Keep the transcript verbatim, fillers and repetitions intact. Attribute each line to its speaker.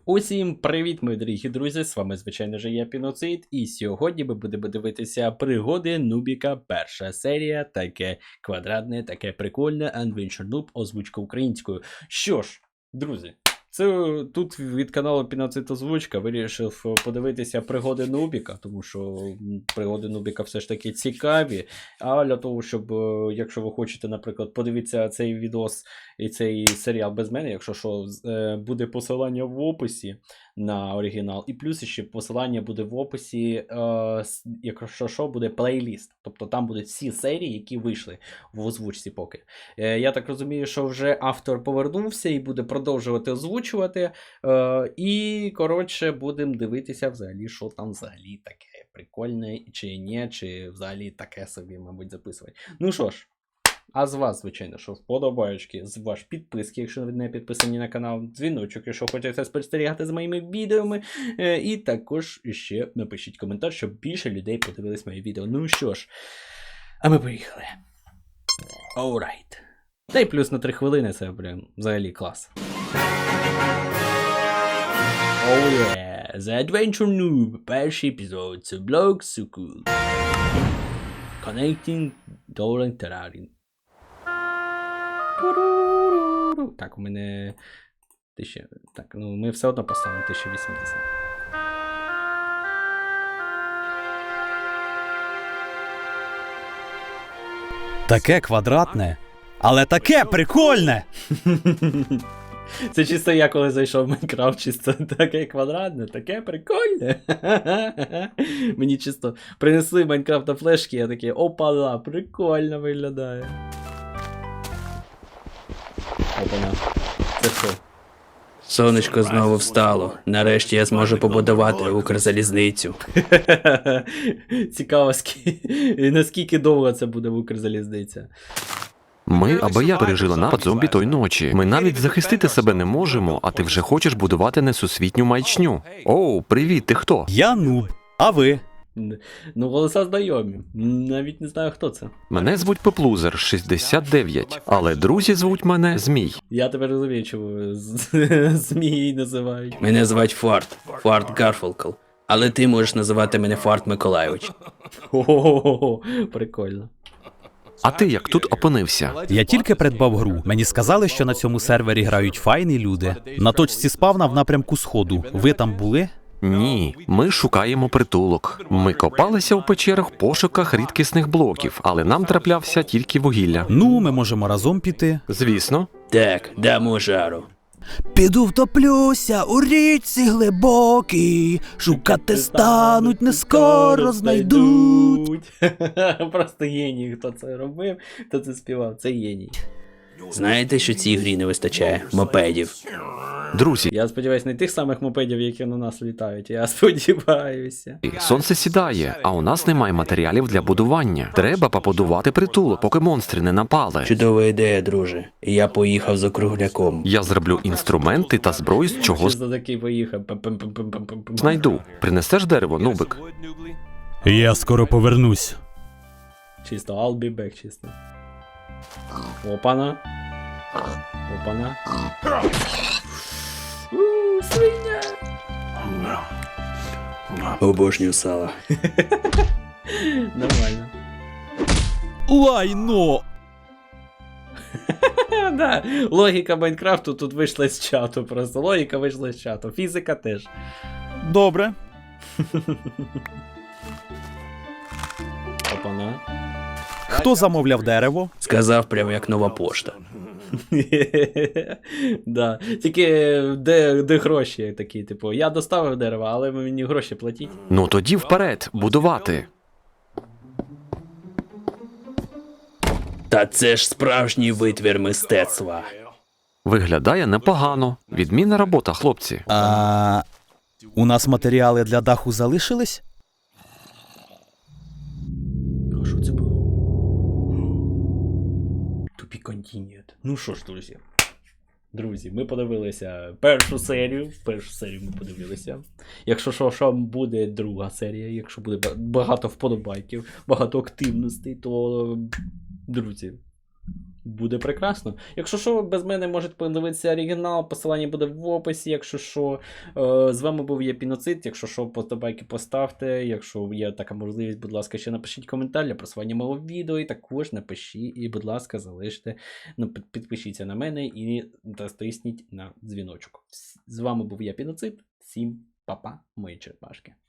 Speaker 1: Усім привіт, мої дорогі друзі! З вами, звичайно ж, я Піноцид, і сьогодні ми будемо дивитися пригоди Нубіка. Перша серія, таке квадратне, таке прикольне, Adventure Noob, озвучка українською. Що ж, друзі, це тут від каналу Піноцид Озвучка вирішив подивитися пригоди Нубіка, тому що пригоди Нубіка все ж таки цікаві. А для того, щоб, якщо ви хочете, наприклад, подивитися цей відос і цей серіал без мене, якщо що, буде посилання в описі на оригінал. І плюс ще посилання буде в описі, якщо що, буде плейліст. Тобто там будуть всі серії, які вийшли в озвучці поки. Я так розумію, що вже автор повернувся і буде продовжувати озвучувати. І, коротше, будемо дивитися взагалі, що там взагалі таке прикольне, чи ні, чи взагалі таке собі, мабуть, записувати. Ну що ж. А з вас, звичайно, що вподобаєчки, з ваш підписки, якщо ви не підписані на канал, дзвіночок, якщо хочете спостерігати з моїми відеоми. І також ще напишіть коментар, щоб більше людей подивились мої відео. Ну що ж, а ми поїхали. Alright. Та й плюс на три хвилини, це прям взагалі клас. Oh yeah, The Adventure Noob, перший епізод, це блог Сукул. Connecting Dolan Terrarin. Так, у мене тисяча. Так, ну ми все одно поставимо тисяча вісімдесят.
Speaker 2: Таке квадратне, але таке прикольне!
Speaker 1: Це чисто я коли зайшов в Майнкрафт, чисто таке квадратне, таке прикольне. Мені чисто принесли Майнкрафт на флешки, я такий, опа-ла, прикольно виглядає. Опана. Це що?
Speaker 3: Сонечко знову встало. Нарешті я зможу побудувати Укрзалізницю.
Speaker 1: Цікаво, скі... наскільки довго це буде Укрзалізниця.
Speaker 4: Ми або я пережила напад зомбі той ночі. Ми навіть захистити себе не можемо, а ти вже хочеш будувати несусвітню маячню. Оу, привіт, ти хто?
Speaker 2: Я нуб, а ви?
Speaker 1: Ну, голоса знайомі. Навіть не знаю, хто це.
Speaker 4: Мене звуть Пеплузер, шістдесят дев'ять, але друзі звуть мене Змій.
Speaker 1: Я тебе розумію, чому Змії називають.
Speaker 3: Мене звать Фарт. Фарт Гарфолкл. Але ти можеш називати мене Фарт Миколайович.
Speaker 1: Ого, прикольно.
Speaker 4: А ти як тут опинився?
Speaker 2: Я тільки придбав гру. Мені сказали, що на цьому сервері грають файні люди. На точці спавна в напрямку сходу. Ви там були?
Speaker 4: Ні, ми шукаємо притулок. Ми копалися в печерах в пошуках рідкісних блоків, але нам траплявся тільки вугілля.
Speaker 2: Ну, ми можемо разом піти.
Speaker 4: Звісно.
Speaker 3: Так, дамо жару.
Speaker 2: Піду втоплюся у річці глибокій, шукати стануть, не скоро знайдуть.
Speaker 1: Просто геній, хто це робив, хто це співав, це геній.
Speaker 3: Знаєте, що цій грі не вистачає? Мопедів.
Speaker 4: Друзі,
Speaker 1: Я сподіваюся, не тих самих мопедів, які на нас літають, я сподіваюся.
Speaker 4: сонце сідає, а у нас немає матеріалів для будування. Треба побудувати притулок, поки монстри не напали.
Speaker 3: Чудова ідея, друже. Я поїхав за кругляком.
Speaker 4: Я зроблю інструменти та зброю, з чого
Speaker 1: Що за такий поїхав? Пам-пам-пам-пам-пам-пам.
Speaker 4: знайду. Принесеш дерево, нубик?
Speaker 2: Я скоро повернусь.
Speaker 1: Чисто, I'll be back, чисто. Опана. Опана. Ууу, свиня!
Speaker 3: Обожнюю сало.
Speaker 1: Нормально.
Speaker 2: Лайно!
Speaker 1: Да, логіка Майнкрафту тут вийшла з чату просто. Логіка вийшла з чату. Фізика теж.
Speaker 2: Добре.
Speaker 1: Опана.
Speaker 2: Хто замовляв дерево?
Speaker 3: Сказав прямо як нова пошта.
Speaker 1: Да. Тільки де, де гроші такі, типу, я доставив дерево, але ви мені гроші платіть.
Speaker 4: Ну тоді вперед, будувати.
Speaker 3: Та це ж справжній витвір мистецтва.
Speaker 4: Виглядає непогано. Відмінна робота, хлопці.
Speaker 2: А у нас матеріали для даху залишились?
Speaker 1: А що це було? To be continued. Ну що ж, друзі. Друзі, ми подивилися першу серію. Першу серію ми подивилися. Якщо що, що буде друга серія, якщо буде багато вподобайків, багато активностей, то, друзі, буде прекрасно. Якщо що, без мене можете подивитися оригінал, посилання буде в описі, якщо що. Е, з вами був я Піноцид, якщо що, подобайки поставте, якщо є така можливість, будь ласка, ще напишіть коментар для просування мого відео, і також напишіть, і, будь ласка, залиште, ну, під- підпишіться на мене і натисніть на дзвіночок. З вами був я Піноцид, всім па-па, мої черепашки.